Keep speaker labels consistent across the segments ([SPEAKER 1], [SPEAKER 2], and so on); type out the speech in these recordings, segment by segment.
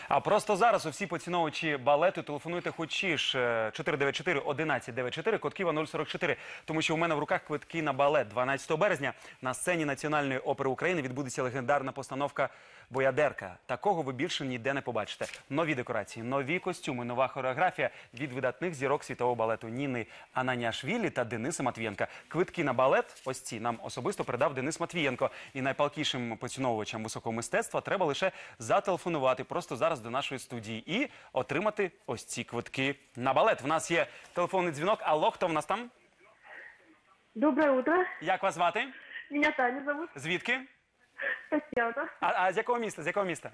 [SPEAKER 1] А просто зараз усі поціновувачі балету телефонуйте хочі ж 494-1194, код Києва 044, тому що у мене в руках квитки на балет. 12 березня на сцені Національної опери України відбудеться легендарна постановка «Боядерка». Такого ви більше ніде не побачите. Нові декорації, нові костюми, нова хореографія від видатних зірок світового балету Ніни Ананіашвілі та Дениса Матвієнка. Квитки на балет, ось ці, нам особисто передав Денис Матвієнко. І найпалкішим поціновувачам високого мистецтва треба лише зателефонувати просто зараз до нашої студії і отримати ось ці квитки на балет. В нас є телефонний дзвінок. Алло, хто в нас там?
[SPEAKER 2] Доброе утро.
[SPEAKER 1] Як вас звати?
[SPEAKER 2] Меня Таня зовут.
[SPEAKER 1] Звідки?
[SPEAKER 2] Татьяна.
[SPEAKER 1] А з якого міста? З якого міста?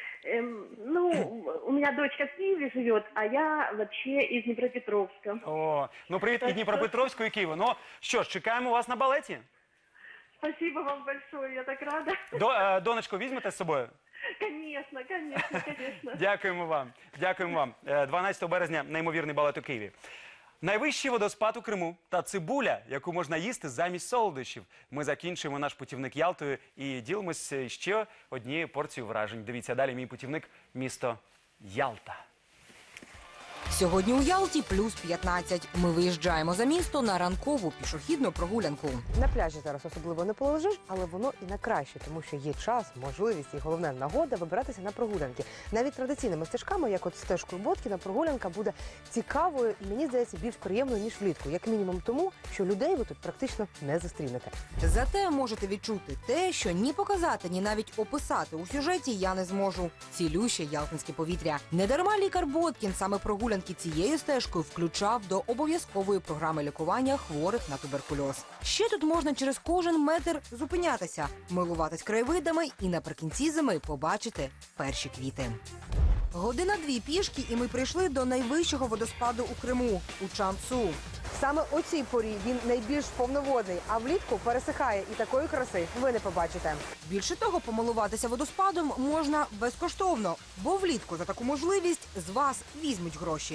[SPEAKER 2] У меня дочка в Киеве живет, а я вообще из Днепропетровска.
[SPEAKER 1] О, ну привіт і Дніпропетровську, і Києву. Ну що ж, чекаємо вас на балеті.
[SPEAKER 2] Спасибо вам большое, я так рада.
[SPEAKER 1] Донечку візьмете з собою?
[SPEAKER 2] Конечно, конечно, конечно.
[SPEAKER 1] Дякуємо вам. Дякуємо вам. 12 березня неймовірний балет у Києві. Найвищий водоспад у Криму та цибуля, яку можна їсти замість солодощів. Ми закінчуємо наш путівник Ялтою і ділимося ще однією порцією вражень. Дивіться далі мій путівник місто Ялта.
[SPEAKER 3] Сьогодні у Ялті плюс 15. Ми виїжджаємо за місто на ранкову пішохідну прогулянку.
[SPEAKER 4] На пляжі зараз особливо не полежиш, але воно і на краще, тому що є час, можливість і головне нагода вибиратися на прогулянки. Навіть традиційними стежками, як от стежкою Боткіна, прогулянка буде цікавою і, мені здається, більш приємною, ніж влітку. Як мінімум тому, що людей ви тут практично не зустрінете.
[SPEAKER 3] Зате можете відчути те, що ні показати, ні навіть описати у сюжеті я не зможу. Цілюще ялтинське повітря. Недарма лікар Боткін саме прогулянки цією стежкою включав до обов'язкової програми лікування хворих на туберкульоз. Ще тут можна через кожен метр зупинятися, милуватись краєвидами і наприкінці зими побачити перші квіти. Година-дві пішки, і ми прийшли до найвищого водоспаду у Криму – у Чан-Цу.
[SPEAKER 4] Саме у цій порі він найбільш повноводний, а влітку пересихає, і такої краси ви не побачите.
[SPEAKER 3] Більше того, помилуватися водоспадом можна безкоштовно, бо влітку за таку можливість з вас візьмуть гроші.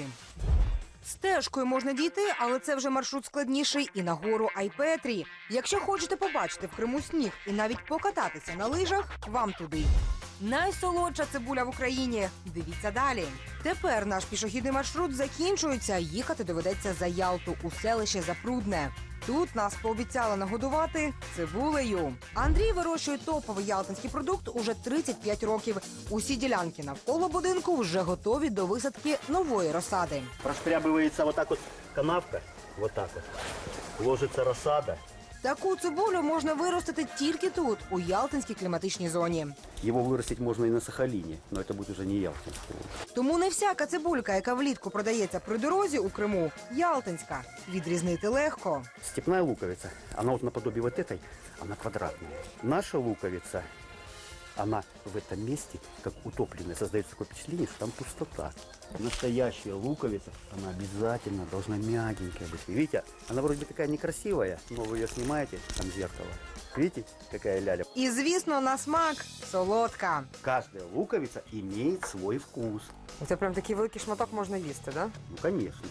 [SPEAKER 3] Стежкою можна дійти, але це вже маршрут складніший і на гору Айпетрі. Якщо хочете побачити в Криму сніг і навіть покататися на лижах, вам туди. Найсолодша цибуля в Україні. Дивіться далі. Тепер наш пішохідний маршрут закінчується. Їхати доведеться за Ялту у селище Запрудне. Тут нас пообіцяли нагодувати цибулею. Андрій вирощує топовий ялтинський продукт уже 35 років. Усі ділянки навколо будинку вже готові до висадки нової розсади.
[SPEAKER 5] Прошкрябывается вот так вот канавка, вот так вот, ложится рассада.
[SPEAKER 3] Таку цибулю можна виростити тільки тут, у ялтинській кліматичній зоні.
[SPEAKER 5] Его вырастить можно и на Сахалине, но это будет уже не ялтинское.
[SPEAKER 3] Тому не всяка цибулька, яка влітку продається при дорозі у Криму, ялтинська. Відрізнити легко.
[SPEAKER 5] Степная луковица, она вот наподобие вот этой, она квадратная. Наша луковица, она в этом месте, как утопленная, создается такое впечатление, что там пустота. Настоящая луковица, она обязательно должна мягенькая быть. Видите, она вроде бы такая некрасивая, но вы ее снимаете, там зеркало. Видите, какая ляля?
[SPEAKER 3] І, звісно, на смак солодка.
[SPEAKER 5] Каждая луковица имеет свой вкус.
[SPEAKER 4] Це прям такий великий шматок можна їсти, да?
[SPEAKER 5] Ну, конечно.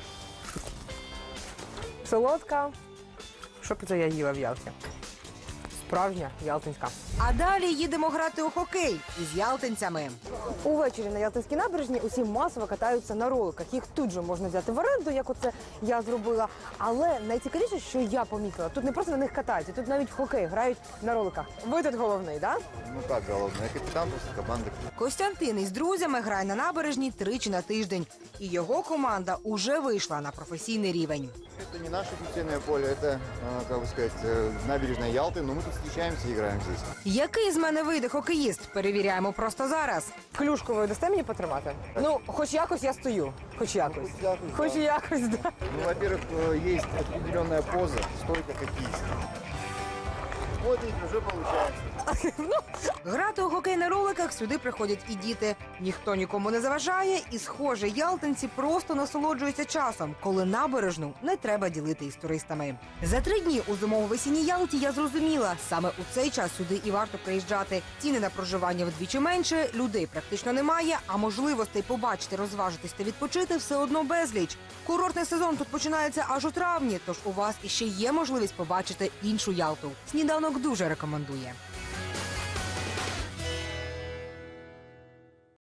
[SPEAKER 4] Солодка. Що б це я їла в Ялті? Справжня ялтинська.
[SPEAKER 3] А далі їдемо грати у хокей із ялтинцями.
[SPEAKER 4] Увечері на Ялтинській набережні усі масово катаються на роликах. Їх тут же можна взяти в оренду, як оце я зробила. Але найцікавіше, що я помітила, тут не просто на них катаються, тут навіть в хокей грають на роликах. Ви тут головний, так?
[SPEAKER 6] Ну как головне, я капітан просто команди.
[SPEAKER 3] Костянтин із друзями грає на набережні тричі на тиждень. І його команда уже вийшла на професійний рівень.
[SPEAKER 6] Это не наше футбольное поле, это, как бы сказать, набережная Ялты, но мы тут встречаемся и играем здесь.
[SPEAKER 3] Який з мене вийде хокеїст? Перевіряємо просто зараз.
[SPEAKER 4] Клюшку ви дасте мені потримати? Ну, хоч якось я стою. Хоч якось. Хоч якось, да.
[SPEAKER 6] Ну, во-первых, есть определенная поза, стойка хоккеиста. Вот видите, уже получается.
[SPEAKER 3] Грати у хокей на роликах сюди приходять і діти. Ніхто нікому не заважає, і, схоже, ялтинці просто насолоджуються часом, коли набережну не треба ділити із туристами. За 3 дні у зимово-весінній Ялті я зрозуміла, саме у цей час сюди і варто приїжджати. Ціни на проживання вдвічі менше, людей практично немає, а можливостей побачити, розважитись та відпочити все одно безліч. Курортний сезон тут починається аж у травні, тож у вас іще є можливість побачити іншу Ялту. Сніданок дуже рекомендує.